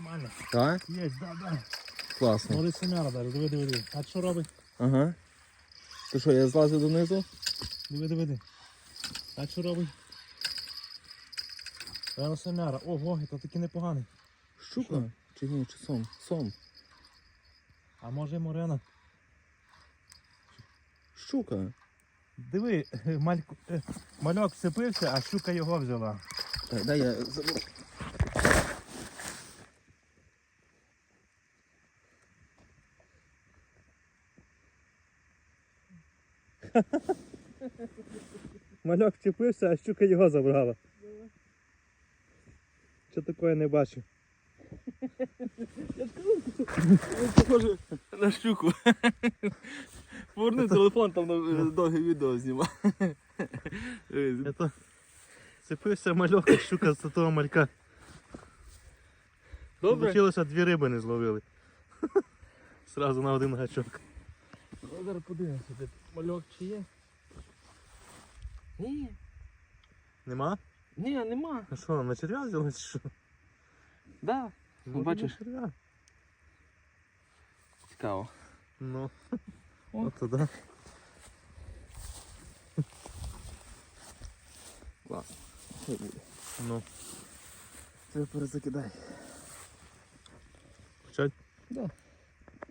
Нормально. Так? Є, да. Класно. Молодець семяра даже, диви. А що робить? Ага. То що, я злазив донизу? Диви. А що робить? Рано семяра. Ого, це таки непоганий. Щука? Що? Чи ні, чи сом? Сом. А може морена? Щука. Диви, мальок вцепився, а щука його взяла. Так, дай я забув. Мальок вцепився, а щука його забрала. Що такое не бачу? Похоже на щуку. Поверни телефон, там довге відео знімав. Это цепився мальок, а щука з того малька. Добре? Получилося, 2 риби не зловили. Сразу на один гачок. Зараз подивимося, де мальок чи є. Ні, Нема? нема. А що, на черв'я взяли чи що? Да. Може, бачиш? на черв'я. Цікаво. Ну, О. от туди. Класно. Хай буде. Ну, Тебе перезакидай. почать? Да.